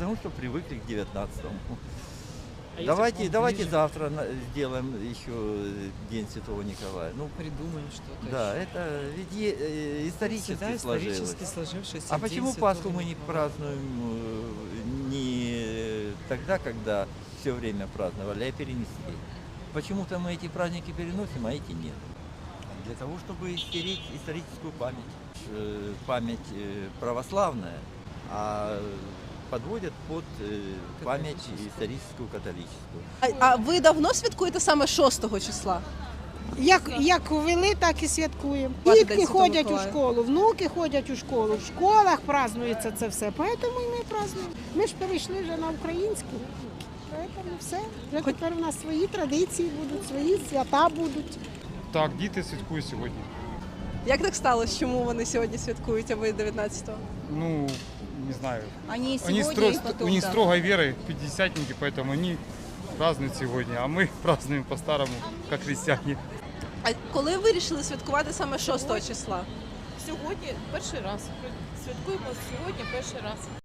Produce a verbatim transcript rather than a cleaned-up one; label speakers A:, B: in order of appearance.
A: потому что привыкли к девятнадцатому.
B: А если
A: Давайте,
B: вам
A: давайте
B: ближе?
A: завтра на- сделаем еще День Святого Николая. Ну,
B: Придумаем что-то.
A: да,
B: еще.
A: это ведь е- э, исторически
B: Всегда
A: сложилось.
B: исторически сложившийся
A: А
B: День
A: почему
B: Святого
A: Пасху мы не
B: Николая.
A: празднуем э, не тогда, когда все время праздновали, а перенесли? Почему-то мы эти праздники переносим, а эти нет. Для того, чтобы стереть историческую память. Э, Память э, православная, а подводят под э, память историческую католическую.
C: А, а ви давно святкуєте саме шостого числа?
D: Як, як ввели, так і святкуємо.
C: День
D: Дітки
C: Святого
D: ходять у
C: Миколая.
D: школу, внуки ходять у школу, в школах празднується це все. Тому і ми празднуємо. Ми ж перейшли вже на українську. Тому все. Вже тепер у нас свої традиції будуть, свої свята будуть.
E: Так, діти святкують сьогодні.
C: Як так сталося? Чому вони сьогодні святкують, а ви дев'ятнадцятого?
E: Ну, не знаю.
F: Они
E: Они
F: сегодня
E: стро-
F: и потом,
E: у них
F: да.
E: строгой веры, пятидесятники, поэтому они празднуют сегодня, а мы празднуем по-старому, как христиане.
C: А коли ви вирішили святкувати саме шостого числа?
G: Сьогодні перший раз. Святкуємо сьогодні перший раз.